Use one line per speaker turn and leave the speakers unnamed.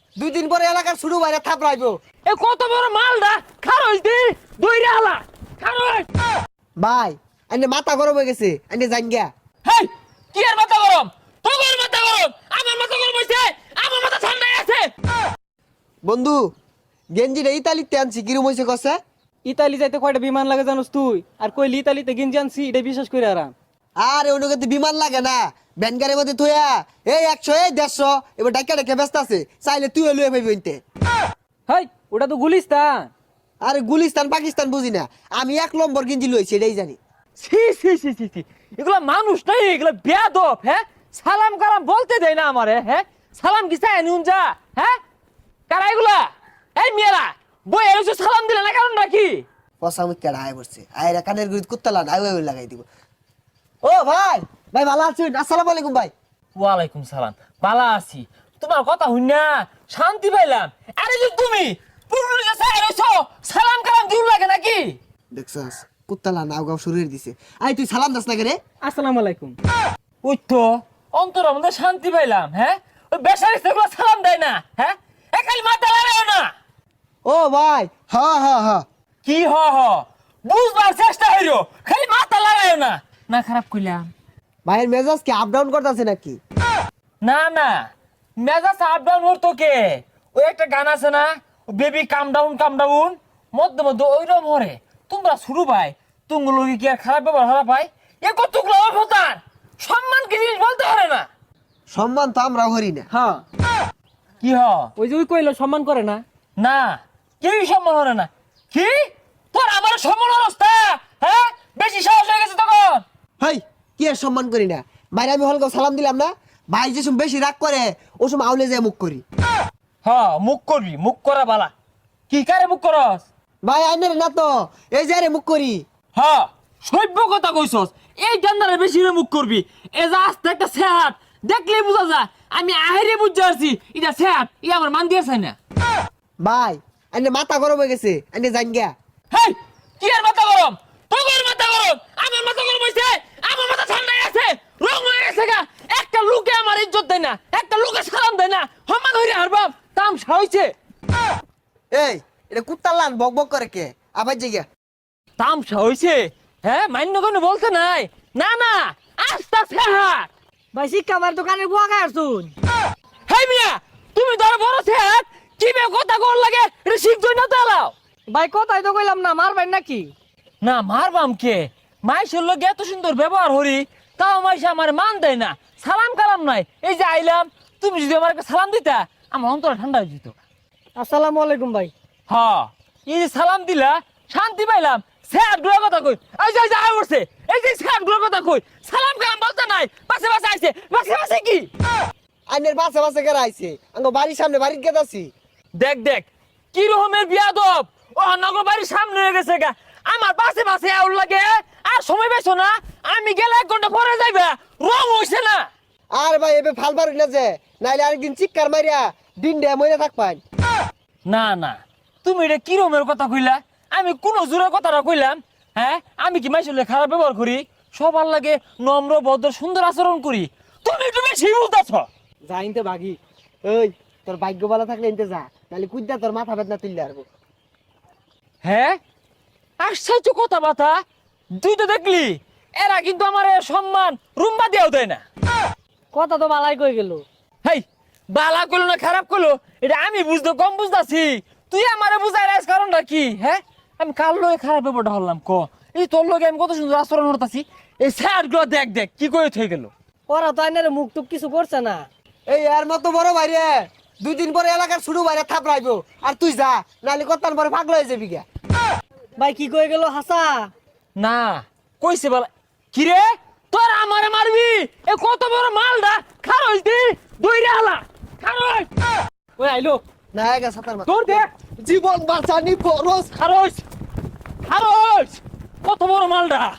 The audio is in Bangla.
দুই দিন পরে এলাকার শুরু বাইরে থাপড়াইবো।
এ কত বড় মালটা খারজ দি দইরা হালা খারজ।
ভাই এনে মাথা গরম হয়ে গেছে, এনে জান গিয়া।
হেই কি আর মাথা গরম, তোর মাথা গরম, আমার মাথা গরম হইছে, আমার মাথা ঠান্ডা আছে।
বন্ধু গেঞ্জিটা ইতালিতে আনছি, কিরম হয়েছে কষে?
ইতালি যাইতে কয়টা বিমান লাগে জানোস তুই? আর কইলি ইতালিতে গেঞ্জি আনছি, এটা বিশ্বাস করে আরাম।
আর ওনাকে তো বিমান লাগে না, ব্যানগারের মধ্যে থইয়া এই 100 এই 150 এবার ডাক্কা ডাক্কা ব্যস্ত আছে, চাইলে তুইও লুয়ে পাইবি ওইতে।
হেই ওটা তো গুলিস্তান।
আরে গুলিস্তান পাকিস্তান বুঝি না, আমি 1 নম্বর গেঞ্জি লইছি এটাই জানি।
ছি ছি ছি ছি ছি, এগুলা মানুষ নাই, এগুলা বেয়াদব। হ্যাঁ সালাম কালাম বলতে দেয় না আমারে। হ্যাঁ সালাম কি চাই নুন যা? হ্যাঁ কারা এগুলা? এই মেয়েরা বই এসে সালাম দিলে না, কারণ নাকি?
পয়সা মুখ কেডা আয় পড়ছে, আয়রা কানের গুড়ি কুত্তালা আয় ওই লাগাই দিব। ও ভাই, ভাই ভালো আছেন? আসসালামু আলাইকুম ভাই।
ওয়ালাইকুম সালাম, বালা আছি। তোমার কথা হই না শান্তি পাইলাম। আরে যে তুমি পুরুষ কাছে আইছো সালাম কালাম দিউ লাগে নাকি?
দেখছস কুত্তালা নাও গাও শুরু করে দিছে। আই তুই সালাম দাস না কে রে?
আসসালামু আলাইকুম।
ওই তো অন্তর মধ্যে শান্তি পাইলাম। হ্যাঁ ওই বেসারি সেগুলো সালাম দেয় না। হ্যাঁ একাই মাথা লাগাও না।
ও ভাই হ হ হ,
কি হ হ বুঝবার চেষ্টা হইরো, খালি মাথা লাগাও না। না খারাপ কইলাম?
ভাইয়ের মেজাজ কি আপ ডাউন করতেছে নাকি?
না না মেজাজ আপ ডাউন ওর তোকে। ওই একটা গান আছে না, বেবি কাম ডাউন মধ্যে মধ্যে ওইরকম হরে। তোমরা শুরু ভাই তুমগুলো কি আর খারাপ ব্যবহার হারা পাই? এ কতগুলো অবতার সম্মান কি জিনিস বলতে পারে না।
সম্মান তো আমরা করি না।
হ্যাঁ
কি হ?
ওই যে ওই কইলো সম্মান করে না।
না কেউই সম্মান হরে না। কি তোর আমার সম্মান অবস্থা? হ্যাঁ বেশি সাহস হয়ে গেছে তখন।
হেই কি আর সম্মান করি না? বাইরে আমি হলকে সালাম দিলাম না, ভাই যে সময় বেশি রাগ করে ও সময় আউলে যায় মুখ করি।
হ্যাঁ মুখ করবি, মুখ করা বালা। কি কারে মুখ করস?
ভাই আইনের না তো, এই যে রে মুখ করি।
হ্যাঁ সভ্য কথা কইছস। এই ডান্ডারে বেশি রে মুখ করবি। এ যা আস্তে একটা সেহাত দেখলেই বুঝা যায়। আমি আহেরে বুঝতে পারছি এটা সেহাত, ই আমার মান দিয়েছে না।
ভাই আইনে মাথা গরম হয়ে গেছে, আইনে জান গিয়া।
হেই কি আর মাথা গরম, তোর মাথা গরম, আমার মাথা গরম হইছে, আমার মাথা ঠান্ডা আছে, রং হয়ে গেছে গা। একটা লোকে আমার ইজ্জত দেয় না, একটা লোকে সালাম দেয় না, সম্মান হইরে হারবাম তামসা হইছে।
এই এটা কুত্তার লান বক বক করে কে? আবার যে গিয়া
তামসা হইছে। হ্যাঁ মান্য কোনো বলতে নাই। না না আস্তা সেহাত।
ভাই শিক্ষা আমার দোকানে বুয়া খায় আসুন।
হেই মিয়া তুমি ধর বড় সেহাত কি বে কথা কর লাগে, এটা শিখছই না তালাও।
ভাই কথাই তো কইলাম না, মারবেন নাকি?
না মারবাম কে? মাইশের লোক এত সুন্দর ব্যবহার হরি, তাও মাইশে আমার মান দেয় না, সালাম কালাম নাই। এই যে আইলাম, তুমি যদি আমার একটা সালাম দিতা আমার অন্তর ঠান্ডা হয়ে যেত।
আসসালামু আলাইকুম ভাই।
হ্যাঁ এই যে সালাম দিলা শান্তি পাইলাম। স্যার গুলোর কথা কই, এই যে আয় করছে, এই যে স্যার গুলোর কথা কই, সালাম কালাম বলতে নাই, পাশে পাশে আইছে, পাশে পাশে কি?
আইনের বাসে বাসে কেরা আইছে, আঙ্গ বাড়ির সামনে বাড়ির গেত আছি।
দেখ দেখ কি রকমের বিয়াদব। ও নগর বাড়ির সামনে হয়ে গেছে গা, আমার পাশে পাশে আউল লাগে। আর সময় পাইছো না, আমি গেলে 1 ঘন্টা পরে যাইবা, রং হইছে না।
আর ভাই এবে ফাল বাড়ি না যে, নাইলে আরেকদিন চিৎকার মারিয়া দিন ডে মরে থাকবেন।
না না তুমি এটা কি রকমের কথা কইলা? আমি কোন জোরের কথাটা কইলাম? হ্যাঁ আমি কি মাইশলে খারাপ ব্যবহার করি? সবার লাগে নম্র ভদ্র সুন্দর আচরণ করি। তুমি একটু বেশি বলতাছ।
যাইতে বাগি ওই তোর ভাগ্য ভালো থাকলে এনতে যা, নাহলে কুদ্দা তোর মাথা বেদনা তুললে আরবো।
হ্যাঁ আশ্চর্য কথা বাতা, তুই তো দেখলি এরা কিন্তু আমার সম্মান রুম্বা দিয়েও দেয় না।
কথা তো বালাই কই গেল।
হেই বালা করলো না খারাপ করলো এটা আমি বুঝতে কম বুঝতাছি, তুই আমারে বুঝাই রাইস কারণটা কি? হ্যাঁ আমি কার লগে খারাপ ব্যাপারটা হলাম ক? এই তোর লগে আমি কত সুন্দর আচরণ করতেছি, এই স্যার গুলো দেখ দেখ কি করে থয়ে গেল।
ওরা তো আইনের মুখ টুক কিছু করছে না।
এই এর মতো বড় বাইরে 2 দিন পরে এলাকার শুরু বাইরে থাপড়াইবো, আর তুই যা, নাহলে কতক্ষণ পরে পাগল হয়ে যাবি গা।
ভাই কি কই গেল হাসা?
না কইছে বলা কি রে, তোর আমারে মারবি? এ কত বড় মালটা খারজ দি দইরা হালা খারজ।
ওই আইলো
না গা সাতার মাথা
তোর দেখ
জীবন বাঁচানি ফরজ।
খারজ খারজ কত বড় মালটা।